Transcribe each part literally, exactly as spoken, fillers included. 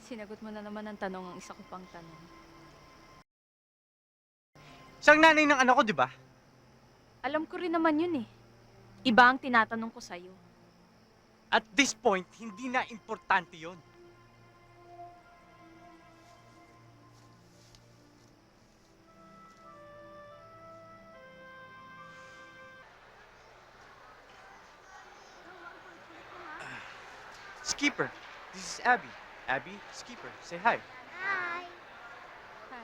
Sinagot mo na naman ang tanong ang isa ko pang tanong. Siyang nanay ng anak ko, di ba? Alam ko rin naman yun eh. Iba ang tinatanong ko sa'yo. At this point, hindi na importante yon. Skipper, this is Abby. Abby, Skipper, say hi. Hi. Hi.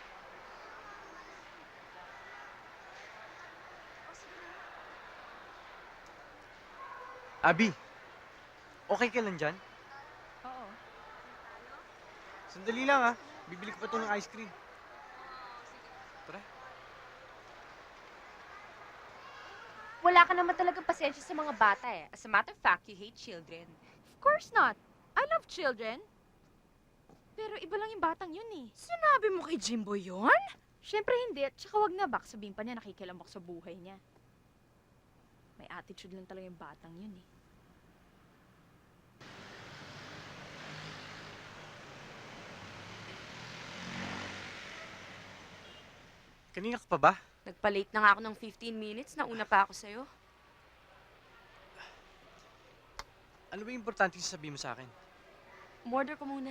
Abby, okay ka lang dyan? Oo. Sandali lang ah. Bibili ko pa ito ng ice cream. Tara. Wala ka naman talaga pasensya sa mga bata eh. As a matter of fact, you hate children. Of course not. I love children. Pero iba lang yung batang yun eh. Sinabi mo kay Jimbo yon? Siyempre hindi. At saka wag na. Baka sabihin pa niya nakikilamak sa buhay niya. May attitude lang talaga yung batang yun eh. Kanina ka pa ba? Nagpa-late na nga ako ng fifteen minutes. Nauna pa ako sa'yo. Ano ba yung importante sasabihin mo sa akin? Umorder ko muna.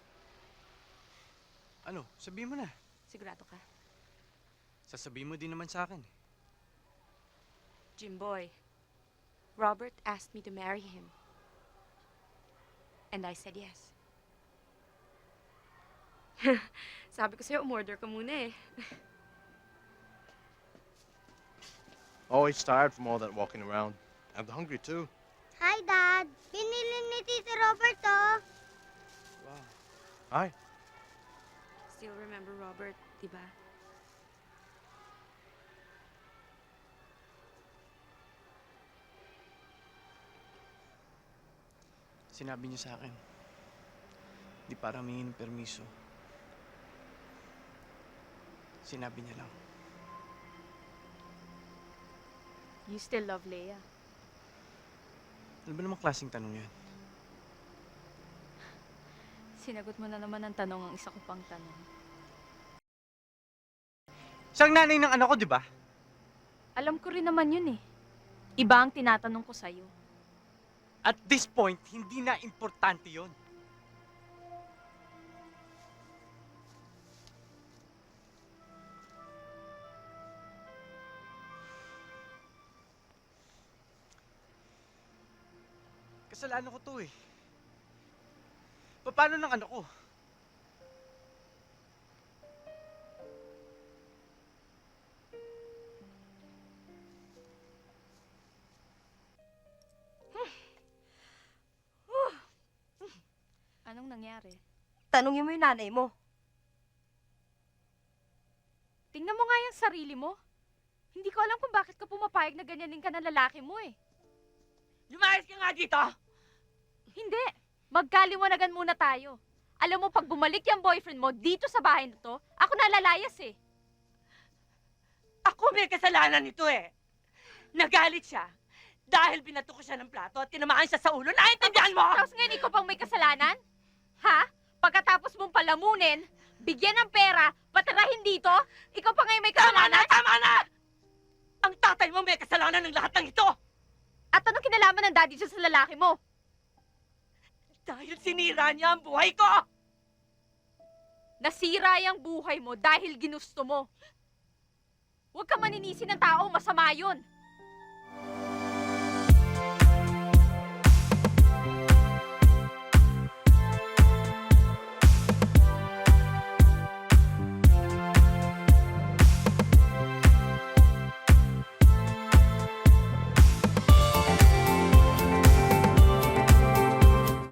Ano? Sabihin mo na. Sigurado ka. Sasabihin mo din naman sa akin. Jimboy, Robert asked me to marry him. And I said yes. Sabi ko sa'yo, umorder ka muna eh. Always tired from all that walking around. I'm hungry too. Hi, Dad. Binili ni Tito Robert, oh. Wow. Hi. Still remember Robert, diba? Sinabi niya sa akin. Di para humingi ng permiso. Sinabi niya lang. You still love Leia. Ano ba namang klaseng tanong yan? Sinagot mo na naman ang tanong ang isa ko pang tanong. Siyang nanay ng anak ko, di ba? Alam ko rin naman yun eh. Iba ang tinatanong ko sa'yo. At this point, hindi na importante yon. Kasalanan ko to eh. Paano ng anak ko? Anong nangyari? Tanungin mo yung nanay mo. Tingnan mo nga yung sarili mo. Hindi ko alam kung bakit ka pumapayag na ganyanin ka ng lalaki mo eh. Lumayas ka nga dito! Hindi. Magkaliwanagan muna tayo. Alam mo, pag bumalik yung boyfriend mo dito sa bahay na to, ako nalalayas eh. Ako may kasalanan nito eh. Nagalit siya dahil binato ko siya ng plato at tinamaan siya sa ulo. Naintindihan mo? Tapos ngayon, ikaw pang may kasalanan? Ha? Pagkatapos mong palamunin, bigyan ng pera, patirahin dito, ikaw pa ngayon may Tama na! kasalanan? Tama na! Ang tatay mo may kasalanan ng lahat ng ito! At anong kinalaman ng daddy siya sa lalaki mo? Dahil sinira niya ang buhay ko! Nasira yung buhay mo dahil ginusto mo. Huwag ka maninisi ng tao, masama yun.